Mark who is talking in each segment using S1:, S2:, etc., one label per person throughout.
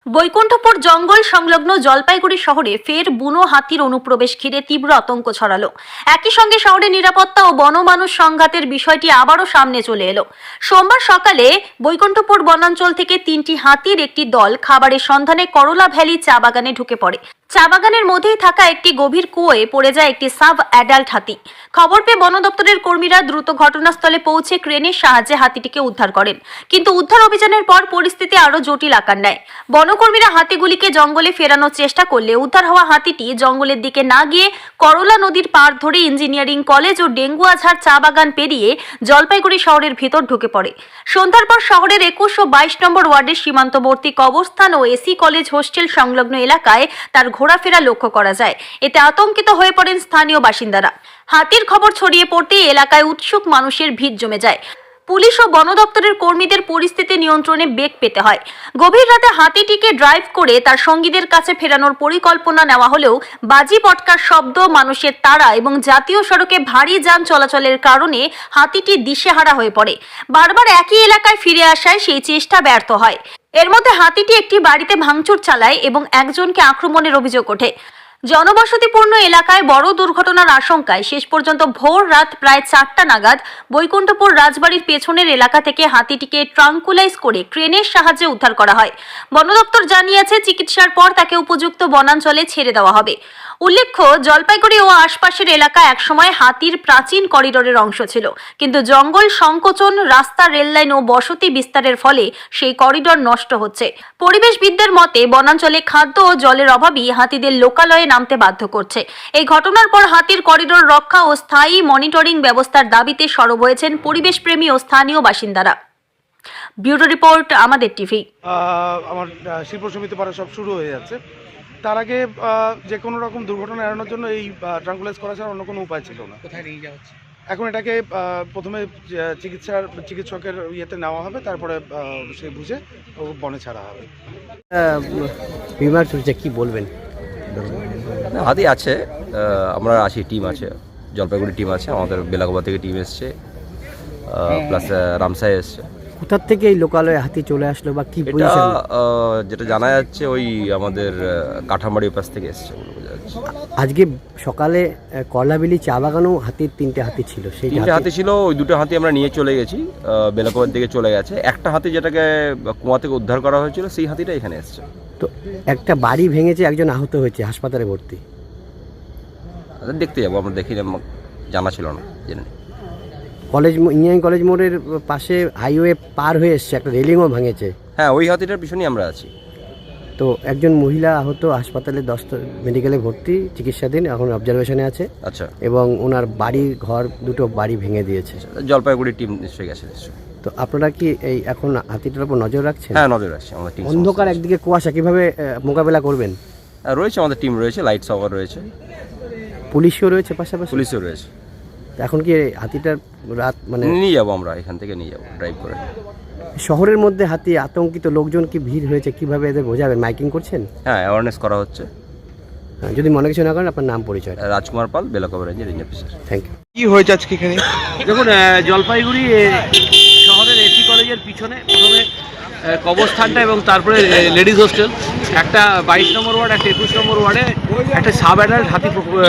S1: বৈকুণ্ঠপুর জঙ্গল সংলগ্ন জলপাইগুড়ি শহরে ফের বুনো হাতির অনুপ্রবেশ ঘিরে তীব্র আতঙ্ক ছড়ালো। একই সঙ্গে শহরের নিরাপত্তা ও বনমানুষ সংঘাতের বিষয়টি আবারও সামনে চলে এলো। সোমবার সকালে বৈকুণ্ঠপুর বনাঞ্চল থেকে 3টি হাতির একটি দল খাবারের সন্ধানে করলা ভ্যালি চা বাগানে ঢুকে পড়ে। চা বাগানের মধ্যেই থাকা একটি গভীর কুয়োয় পড়ে যায় একটি সাব অ্যাডাল্ট হাতি। খবর পেয়ে বন দপ্তরের কর্মীরা দ্রুত ঘটনাস্থলে পৌঁছে ক্রেনের সাহায্যে হাতিটিকে উদ্ধার করেন, কিন্তু উদ্ধার অভিযানের পর পরিস্থিতি আরো জটিল আকার নেয়। বনকর্মীরা হাতিগুলিকে জঙ্গলে ফেরানোর চেষ্টা করলে উদ্ধার হওয়া হাতিটি জঙ্গলের দিকে না গিয়ে করলা নদীর পাড় ধরে ইঞ্জিনিয়ারিং কলেজ ও ডেঙ্গুয়াঝাড় চা বাগান পেরিয়ে জলপাইগুড়ি শহরের ভিতর ঢুকে পড়ে। সন্ধ্যার পর শহরের 21 ও 22 নম্বর ওয়ার্ডের সীমান্তবর্তী কবরস্থান ও এসি কলেজ হোস্টেল সংলগ্ন এলাকায় তার ঘোরাফেরা লক্ষ্য করা যায়। এতে আতঙ্কিত হয়ে পড়েন স্থানীয় বাসিন্দারা। হাতির খবর ছড়িয়ে পড়তেই এলাকায় উৎসুক মানুষের ভিড় জমে যায়। পুলিশ ও বন দপ্তরের কর্মীদের পরিস্থিতি নিয়ন্ত্রণে বেগ পেতে হয়। গভীর রাতে হাতিটিকে ড্রাইভ করে তার সঙ্গীদের কাছে ফেরানোর পরিকল্পনা নেওয়া হলেও বাজি পটকার শব্দ, মানুষের তাড়া এবং জাতীয় সড়কে ভারী যান চলাচলের কারণে হাতিটি দিশেহারা হয়ে পড়ে। বারবার একই এলাকায় ফিরে আসায় সেই চেষ্টা ব্যর্থ হয়। এর মধ্যে হাতিটি একটি বাড়িতে ভাঙচুর চালায় এবং একজনকে আক্রমণের অভিযোগ ওঠে। জনবসতিপূর্ণ এলাকায় বড় দুর্ঘটনার আশঙ্কায় শেষ পর্যন্ত ভোর রাত প্রায় 4টা নাগাদ বৈকুণ্ঠপুর রাজবাড়ির পেছনের এলাকা থেকে হাতিটিকে ট্রাঙ্কুলাইজ করে ক্রেনের সাহায্যে উদ্ধার করা হয়। বন দপ্তর জানিয়েছে চিকিৎসার পর তাকে উপযুক্ত বনাঞ্চলে ছেড়ে দেওয়া হবে। উল্লেখ্য, জলপাইগুড়ি ও আশপাশের এলাকা একসময় হাতির প্রাচীন করিডোরের অংশ ছিল, কিন্তু জঙ্গল সংকোচন, রাস্তা, রেললাইন ও বসতি বিস্তারের ফলে সেই করিডোর নষ্ট হচ্ছে। পরিবেশবিদদের মতে বনাঞ্চলে খাদ্য ও জলের অভাবই হাতিদের লোকালয়ে নামতে বাধ্য করছে। এই ঘটনার পর হাতির করিডোর রক্ষা ও স্থায়ী মনিটরিং ব্যবস্থার দাবিতে সরব হয়েছেন পরিবেশপ্রেমী ও স্থানীয় বাসিন্দারা। ব্যুরো রিপোর্ট, আমাদের টিভি।
S2: আমার শিল্প সমিতি পাড়া সব শুরু হয়ে যাচ্ছে। তার আগে যে কোনো রকম দুর্ঘটনা এড়ানোর জন্য এই ট্রাঙ্কুলাইজ করা ছাড়া অন্য কোনো উপায় ছিল না।
S3: কোথায় নিয়ে যাওয়া হচ্ছে?
S2: এখন এটাকে প্রথমে চিকিৎসকের ইয়েতে নেওয়া হবে, তারপরে সে বুঝে বনে ছাড়া হবে।
S3: বিমার চলছে, কি বলবেন?
S4: হাতি আছে, আমরা আছি, টিম আছে, জলপাইগুড়ি টিম আছে, আমাদের বেলাগোবা থেকে টিম এসছে, প্লাস রামসাই এসছে।
S3: কোথার থেকে এই লোকালয়ে হাতি চলে আসলো বা কি পজিশন?
S4: যেটা জানা যাচ্ছে ওই আমাদের কাঠামারির পাশ থেকে এসছে বলে বোঝা যাচ্ছে।
S3: আজকে সকালে করলাবেলি চা বাগানেও হাতির 3টে হাতি ছিল। সেই
S4: 3টে হাতি ছিল, ওই 2টো হাতি আমরা নিয়ে চলে গেছি, বেলাগোবার দিকে চলে গেছে। একটা হাতি যেটাকে কুয়া থেকে উদ্ধার করা হয়েছিল, সেই হাতিটা এখানে এসছে।
S3: তো একটা বাড়ি ভেঙেছে, একজন আহত হয়েছে, হাসপাতালে ভর্তি।
S4: দেখতে যাবো, আমরা দেখি, জানা ছিল না, জেনে নিই।
S3: কলেজ, ইঞ্জিনিয়ারিং কলেজ মোড়ের পাশে হাইওয়ে পার হয়ে এসছে, একটা রেলিংও ভাঙেছে।
S4: হ্যাঁ, ওই হাতিটার পিছনেই আমরা আছি।
S3: তো একজন মহিলা আহত, হাসপাতালে 10 মেডিকেলে ভর্তি, চিকিৎসাধীন, এখন অবজারভেশনে আছে।
S4: আচ্ছা।
S3: এবং ওনার বাড়ি ঘর 2টো বাড়ি ভেঙে দিয়েছে।
S4: জলপাইগুড়ি টিম নিশ্চয়ই গেছে নিশ্চয়ই।
S3: তো আপনারা কি এই এখন হাতিটার উপর নজর রাখছেন?
S4: হ্যাঁ, নজর রাখছি আমাদের টিম।
S3: অন্ধকার, একদিকে কুয়াশা, কিভাবে মোকাবেলা করবেন?
S4: রয়েছে আমাদের টিম, রয়েছে, লাইট সাওয়ার রয়েছে,
S3: পুলিশও রয়েছে পাশাপাশি।
S4: পুলিশও রয়েছে।
S3: এখন কি হাতিটার রাত মানে
S4: নিয়ে যাবো, আমরা এখান থেকে নিয়ে যাবো ড্রাইভ করে।
S3: শহরের মধ্যে হাতি, আতঙ্কিত লোকজন, কি ভিড় হয়েছে, কিভাবে এদের বোঝাবেন? মাইকিং করছেন?
S4: হ্যাঁ, অ্যাওয়ারনেস করা হচ্ছে।
S3: যদি মনে কিছু না করেন, আপনার নাম পরিচয়?
S4: রাজকুমার পাল, বেলাগোবা রেঞ্জের রেঞ্জ অফিসার।
S3: Thank you.
S2: কি হয়েছে আজকে এখানে?
S5: দেখুন, জলপাইগুড়ি শহরের এসি কলেজের পিছনে প্রথমে কবরস্থানটা এবং তারপরে লেডিস হোস্টেল, একটা 22 নম্বর ওয়ার্ড, একটা 21 নম্বর ওয়ার্ডে একটা সাব অ্যাডাল্ট হাতি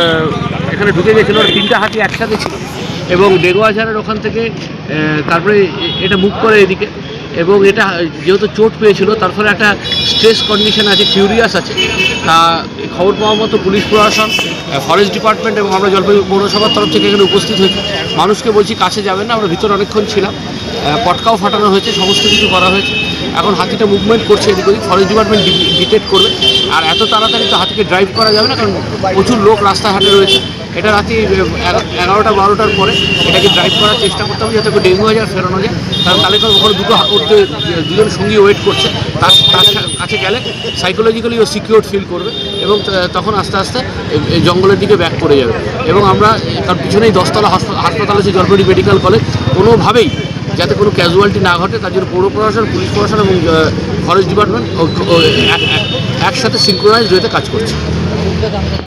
S5: এখানে ঢুকে গেছিলো। 3টে হাতি একসাথে ছিল এবং ডেঙ্গুয়াঝাড়ের ওখান থেকে তারপরে এটা মুভ করে এদিকে, এবং এটা যেহেতু চোট পেয়েছিল তার ফলে একটা স্ট্রেস কন্ডিশন আছে, ফিউরিয়াস আছে। তা খবর পাওয়া মতো পুলিশ প্রশাসন, ফরেস্ট ডিপার্টমেন্ট এবং আমরা জলপাইগুড়ি পৌরসভার তরফ থেকে এখানে উপস্থিত হয়েছি। মানুষকে বলছি কাছে যাবেন না, আমরা ভিতরে অনেকক্ষণ ছিলাম, পটকাও ফাটানো হয়েছে, সমস্ত কিছু করা হয়েছে। এখন হাতিটা মুভমেন্ট করছে এদিক ওদিক, ফরেস্ট ডিপার্টমেন্ট ডিটেক্ট করবে। আর এত তাড়াতাড়ি তো হাতিকে ড্রাইভ করা যাবে না, কারণ প্রচুর লোক রাস্তাঘাটে রয়েছে। এটা রাতে 11টা 12টার পরে এটাকে ড্রাইভ করার চেষ্টা করতে হবে যাতে ডেঙ্গুয়াঝাড় ফেরানো যায়। কারণ তাহলে ওখানে দুজন সঙ্গী ওয়েট করছে, তার কাছে গেলে সাইকোলজিক্যালি ও সিকিউর ফিল করবে এবং তখন আস্তে আস্তে জঙ্গলের দিকে ব্যাক করে যাবে। এবং আমরা তার পিছনেই 10তলা হাসপাতাল আছে, জলপাইগুড়ি মেডিকেল কলেজ, কোনোভাবেই যাতে কোনো ক্যাজুয়ালিটি না ঘটে তার জন্য পৌর প্রশাসন, পুলিশ প্রশাসন এবং ফরেস্ট ডিপার্টমেন্ট একসাথে সিনক্রোনাইজড হয়ে কাজ করছে।